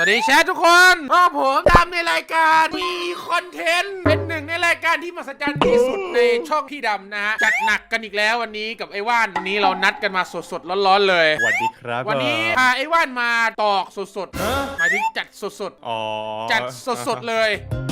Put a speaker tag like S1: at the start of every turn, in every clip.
S1: วัสดีแชททุกคนก็ผมทำในรายการมีคอนเทนต์เป็นหนึ่งในรายการที่มหัศจรรย์ที่สุดในช่องพี่ดำนะฮะจัดหนักกันอีกแล้ววันนี้กับไอ้ว่านวันนี้เรานัดกันมาสดๆร้อนๆเลย
S2: สวัสดีครับ
S1: วันนี้พาไอ้ว่านมาตอกสดๆหมายถึงจัดสดๆจัดสดๆเลย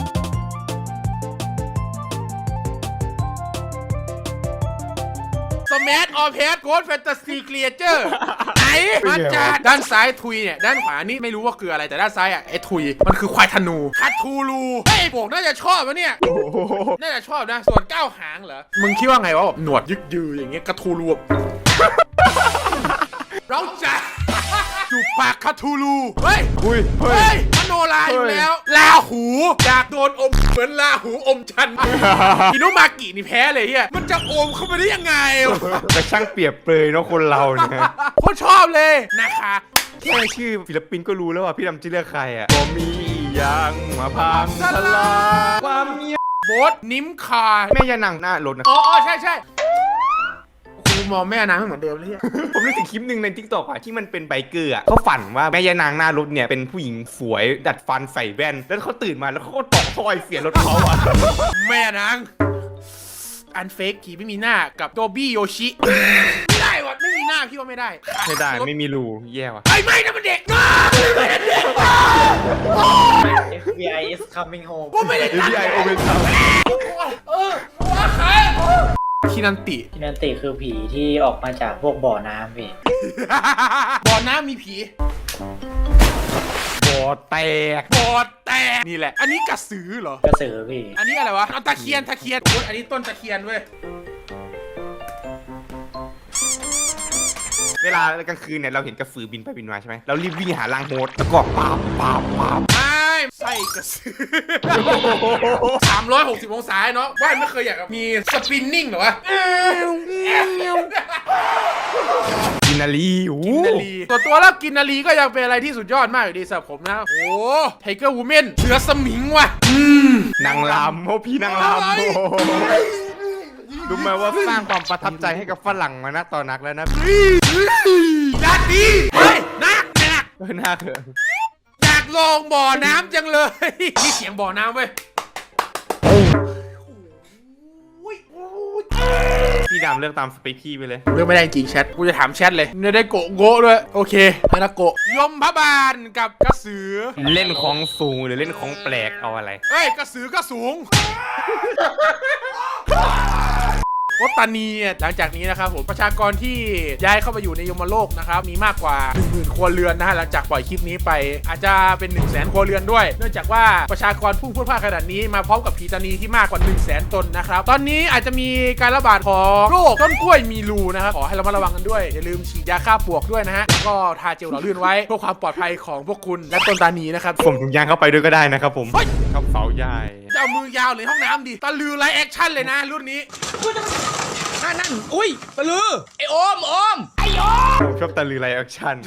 S1: สมัทออเพสโกดแฟนตาซีครีเอเจอร์ไหนมาจากด้านซ้ายทุยเนี่ยด้านขวานี่ไม่รู้ว่าคืออะไรแต่ด้านซ้ายอ่ะไอ้ทุยมันคือควายธนูคัตทูลูไอ้โบกน่าจะชอบวะเนี่ยน่าจะชอบนะส่วนก้าวหางเหรอมึงคิดว่าไงวะแบบหนวดยึกยืออย่างเงี้ยกระทูลูเราจะจูบปากคาทูลูเฮ้ยมโนราอยู่แล้วลาหูอยากโดนอมเหมือนลาหูอมชันอินุมากินี่แพ้เลยเฮียมันจะอมเข้าไปได้ยังไง
S2: แต่ช่างเปรียบเปรยเนาะคนเราเนี่ย
S1: โคตรชอบเลยนะคะ
S2: แค่ชื่อศิลปินก็รู้แล้วว่าพี่ดำจะเลือกใครอ่ะก็มีอย่างมาพังทลายความเงียบ
S1: โบสนิ้มคา
S2: แม่ยานังหน้ารถนะ
S1: อ๋อใช่กูมองแม่นางไม่เหมือนเดิมเลย
S2: ผมนึกถึงคลิปหนึ่งใน TikTok อ่ะที่มันเป็นไบเกอร์อ่ะเขาฝันว่าแม่ยานางหน้ารถเนี่ยเป็นผู้หญิงสวยดัดฟันใส่แว่นแล้วเขาตื่นมาแล้วเขาก็ตอกท่อยเสียรถเขาอ่ะ
S1: แม่นางอันเฟกผีไม่มีหน้ากับโดบี้โยชิไม่ได้วะไม่มีหน้าพี่ว่าไม่ได้
S2: ไม่มีรูแย่ว่ะ
S1: ไม่นะมันเด็ก
S3: FBI is coming home
S1: กูไม่ได้
S2: FBI open house
S1: ว่าใครคินันติ
S3: คือผีที่ออกมาจากพวกบ่อน้ำพี่
S1: บ่อน้ำมีผี
S2: บ่อแตก
S1: นี่แหละอันนี้กระสือเหร
S3: อกระสือพี่
S1: อันนี้อะไรวะตะเคียนอันนี้ต้นตะเคียนเว้ย
S2: เวลากลางคืนเนี่ยเราเห็นกระสือบินไปบินมาใช่ไหมเรารีบวิ่งหาลังโฮสแล้วก็ปาบ
S1: ไส้กระสือ360 องศาเนาะว่านไม่เคยอยากมีสปินนิ่งหรอวะ
S2: กินนาลี
S1: ตัวแล้วกินนาลีก็ยังเป็นอะไรที่สุดยอดมากอยู่ดีสำหรับผมนะโอ้ไทเกอร์วูแมนเสือสมิงว่ะ
S2: นางลำพี่นางลำรู้ไหมว่าสร้างความประทับใจให้กับฝรั่งมานะตอนนักแล้วนะ
S1: ดัดดีเฮ้ยนัก
S2: เถอะ
S1: อยากลงบ่อน้ำจังเลยนี่เสียงบ่อน้ำเว้ย
S2: พี่ดำเลือกตามสเปคพี่ไปเลย
S1: เลือกไม่ได้จริงแชทกูจะถามแชทเลยไม่ได้โกะด้วยโอเคไม่ได้โกะยมพบาลกับกระสือ
S2: เล่นของสูงหรือเล่นของแปลกเอาอะไร
S1: เฮ้ยกระสือก็สูงวัตานีหลังจากนี้นะครับผมประชากรที่ย้ายเข้ามาอยู่ในยมโลกนะครับมีมากกว่า 10,000 ครัวเรือนนะฮะหลังจากปล่อยคลิปนี้ไปอาจจะเป็น 100,000 ครัวเรือนด้วยเนื่องจากว่าประชากรพุ่งพรวดพลาดขนาดนี้มาพร้อมกับผีตานีที่มากกว่า 100,000 ตนนะครับตอนนี้อาจจะมีการระบาดของโรคต้นกล้วยมีรูนะครับขอให้เรามาระวังกันด้วยอย่าลืมฉีดยาฆ่าปลวกด้วยนะฮะแล้วก็ทาเจลหล่อลื่นไว้เพื่อความปลอดภัยของพวกคุณและต้นตานีนะครับ
S2: ผมถุงยางเข้าไปด้วยก็ได้นะครับผมชอบเสาใหญ่
S1: จะเอามือยาวเลยห้องน้ำดิตะลือไลฟ์แอคชั่นเลยนะรุ่นนี้นั่นอุ้ยตะลือไอโอมไอโอม
S2: ผมชอบตะลือไลฟ์แอคชั่น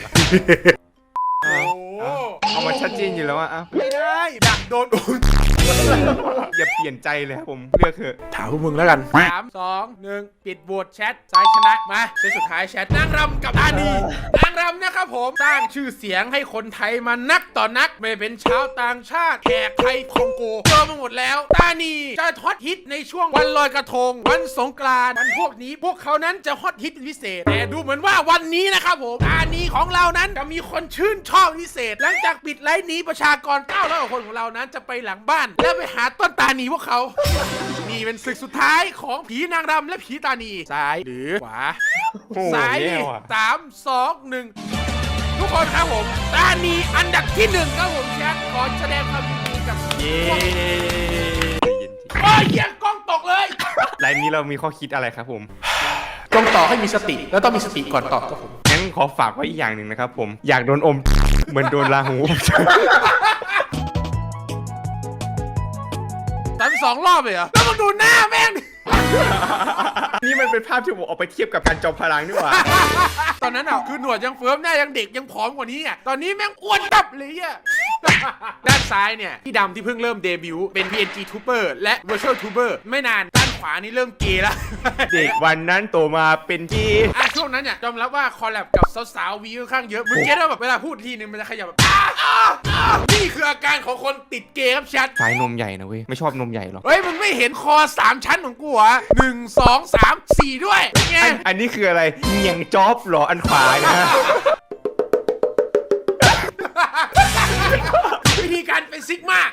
S2: เอามาชัดเจนอยู่แล้วอะ
S1: ไม่ได้ดักโดน
S2: อย่าเปลี่ยนใจเลยครับผมเลือกเถอะ
S1: ถามพวกมึงแล้วกัน3 2 1ปิดโหวตแชทซ้ายชนะมาเซตสุดท้ายแชทนางรำกับตานีนางรำนะครับผมสร้างชื่อเสียงให้คนไทยมานักต่อนักไม่เป็นชาวต่างชาติแขกไทยคองโกเจอมาหมดแล้วตานีจะฮอตฮิตในช่วงวันลอยกระทงวันสงกรานต์วันพวกนี้พวกเขานั้นจะฮอตฮิตเป็นพิเศษแต่ดูเหมือนว่าวันนี้นะครับผมตานีของเรานั้นจะมีคนชื่นชอบพิเศษหลังจากปิดไลฟ์นี้ประชากร900 กว่าคนของเรานั้นจะไปหลังบ้านแล้วไปหาต้นตานีพวกเขานี่เป็นศึกสุดท้ายของผีนางรำและผีตานีซ้ายหรือขวาซ้าย3 2 1ทุกคนครับผมตานีอันดับที่1ครับผมแชทขอแสดงความยินดีกับ
S2: เย้
S1: เยี่ยกล้องตกเลย
S2: ไลน์นี้เรามีข้อคิดอะไรครับผม
S1: ต้องต่อให้มีสติแล้วต้องมีสติก่อนตอบครับผม
S2: งั้นขอฝากไว้อีกอย่างหนึ่งนะครับผมอยากโดนอมเหมือนโดนลาหู
S1: 2 รอบเลยเหรอแล้วมาดูหน้าแม่ง
S2: นี่มันเป็นภาพที่ผมเอาไปเทียบกับการจอมพลังนี่หว่า
S1: ตอนนั้นอ่ะคือหนวดยังเฟิร์มหน้ายังเด็กยังผอมกว่านี้อ่ะตอนนี้แม่งอ้วนตับเลยอ่ะด้านซ้ายเนี่ยพี่ดำที่เพิ่งเริ่มเดบิวต์เป็น PNG Tuber และ Virtual Tuber ไม่นานด้านขวานี่เริ่มเกย์แล้ว
S2: เด็กวันนั้นโตมาเป็นเกย์
S1: ช่วงนั้นเนี่ยยอมรับว่าคอลแลบกับสาวๆวีค่อนข้างเยอะมึงเก็ตว่าแบบเวลาพูดทีนึงมันจะขยับแบบของคนติดเกย์ครับแชท
S2: สายนมใหญ่นะเว้ยไม่ชอบนมใหญ่หรอก
S1: เฮ้ยมึงไม่เห็นคอ3ชั้นของกูเหรอ1 2 3 4ด้วยเป็นไง
S2: อันนี้คืออะไรเงียงจ๊อบเหรออันขวานะ
S1: วิธีการเป็นซิกมา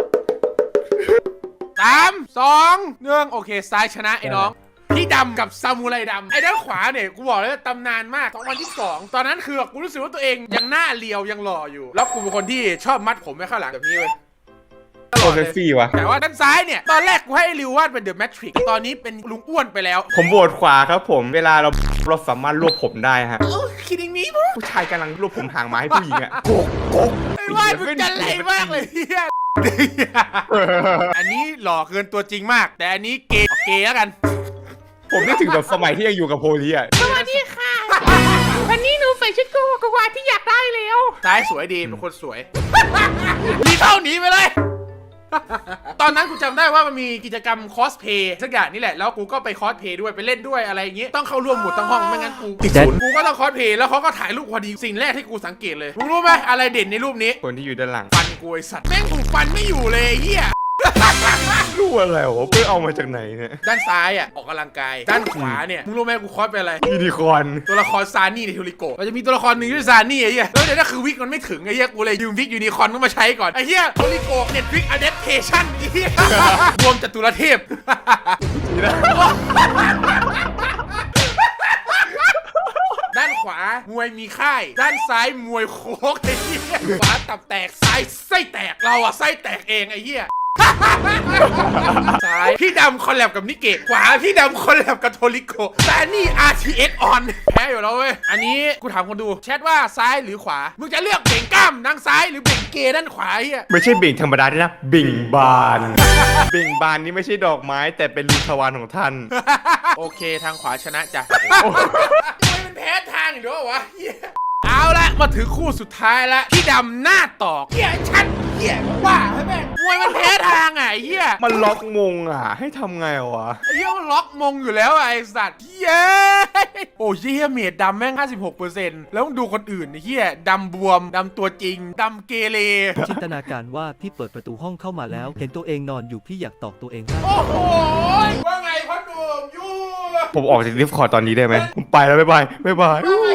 S1: 3 2 1โอเคซ้ายชนะไอ้น้องพี่ดำกับซามูไรดำไอ้ด้านขวาเนี่ยกูบอกเลยว่าตำนานมาก2022ตอนนั้นคือกูรู้สึกว่าตัวเองยังหน้าเรียวยังหล่ออยู่แล้วกูเป็นคนที่ชอบมัดผมไว้ข้างหลังแบบนี้เว้ย
S2: โคเซฟี่วะ
S1: แต่ว่าด้านซ้ายเนี่ยตอนแรกกูให้ริววาดเป็นเดอะแมทริกซ์ตอนนี้เป็นลุงอ้วนไปแล้ว
S2: ผมโหวตขวาครับผมเวลาเราสามารถรวบผมได้ฮะ
S1: คิดอย่างนี้ปุ๊บ
S2: ผู้ชายกำลังรวบผมหางไม้ให้ผู้หญิงอะโกกโกก
S1: ไม่ว่ามึงจะไหลมากเลยเฮียอันนี้หล่อเกินตัวจริงมาก แต่อันนี้เกย์แล้วกัน
S2: ผมนึกถึงแบบสมัยที่ยังอยู่กับโพลีอะ
S1: สวัสดีค่ะ วันนี้หนูใส่ชุดโกโกวาที่อยากได้แล้วซ้ายสวยดีเป็นคนสวยรีเท่าหนีไปเลย ตอนนั้นกูจำได้ว่ามันมีกิจกรรมคอสเพย์สักอย่างนี่แหละแล้วกูก็ไปคอสเพย์ด้วยไปเล่นด้วยอะไรอย่างงี้ต้องเข้าร่วมหมดทั้งห้องไม่งั้นกูติดศูนย์กูก็ต้องคอสเพย์แล้วเขาก็ถ่ายรูปพอดีสิ่งแรกที่กูสังเกตเลยมึงรู้ไหมอะไรเด่นในรูปนี้
S2: คนที่อยู่ด้านหลัง
S1: ฟันกูไอสัตว์แม่งกูฟันไม่อยู่เลยไอ้เฮีย
S2: รู้อะไรวะเพื่อเอามาจากไหนเนี่ย
S1: ด้านซ้ายอ่ะออกกำลังกายด้านขวาเนี่ยมึงรู้ไหมกูคอสเป็นอะไร
S2: ยูนิคอร์น
S1: ตัวละครซานี่ในทูริโกะมันจะมีตัวละครหนึ่งชื่อซานี่ไอ้เหี้ยแล้วเดี๋ยวนั่นคือวิกมันไม่ถึงไอ้เหี้ยกูเลยยืมวิกยูนิคอร์นก็มาใช้ก่อนไอ้เหี้ยทูริโกะเน็ตวิกอะแดปเทชั่นไอ้เหี้ยรวมจตุรเทพ ด้านขวามวยมีค่าย ด้านซ้ายมวยโคกไอ้เหี้ยขวาตับแตกซ้ายไส้แตกเราอะไส้แตกเองไอ้เหี้ย ซ้ายพี่ดำคอลแลบกับนิเกะขวาพี่ดำคอลแลบกับโทริโกะแต่นี่ RTS on แพ้อยู่แล้วเว้ยอันนี้กูถามคนดูแชทว่าซ้ายหรือขวามึงจะเลือกเบ่งกล้ามด้านซ้ายหรือเบ่งเกย์ด้านขวาไอ้เหี้ย
S2: ไม่ใช่เบ่งธรรมดาด้วยนะเบ่งบาน เบ่งบานนี่ไม่ใช่ดอกไม้แต่เป็นลูกทวารของท่าน
S1: โอเคทางขวาชนะจ้ะทำไมมันแพ้ทางอีกแล้ววะเหี้ยเอาละมาถึงคู่สุดท้ายละพี่ดำหน้าตอกเหี้ยชัดเหี้ยว่าให้แม่งมวยมันแพ้ทางอ่ะไอ้เหี้ย
S2: มันล็อกมงอ่ะให้ทำไงวะ
S1: ไอ้เหี้ยมันล็อกมงอยู่แล้วอะไอ้สัตว์เย้โอ้ยเหี้ยเมดดำแม่ง 56% แล้วมึงดูคนอื่นไอ้เหี้ยดำบวมดำตัวจริงดำเกเร
S4: จินตนาการว่าพี่เปิดประตูห้องเข้ามาแล้ว เห็นตัวเองนอนอยู่พี่อยากตอกตัวเองบ้าง
S1: โอ้โหว่าไงพ่อหนุ่มยู
S2: ผมออกจากดิสคอร์ดตอนนี้ได้ไหมผมไปแล้วบ๊ายบายบ๊ายบาย
S1: ว่าไง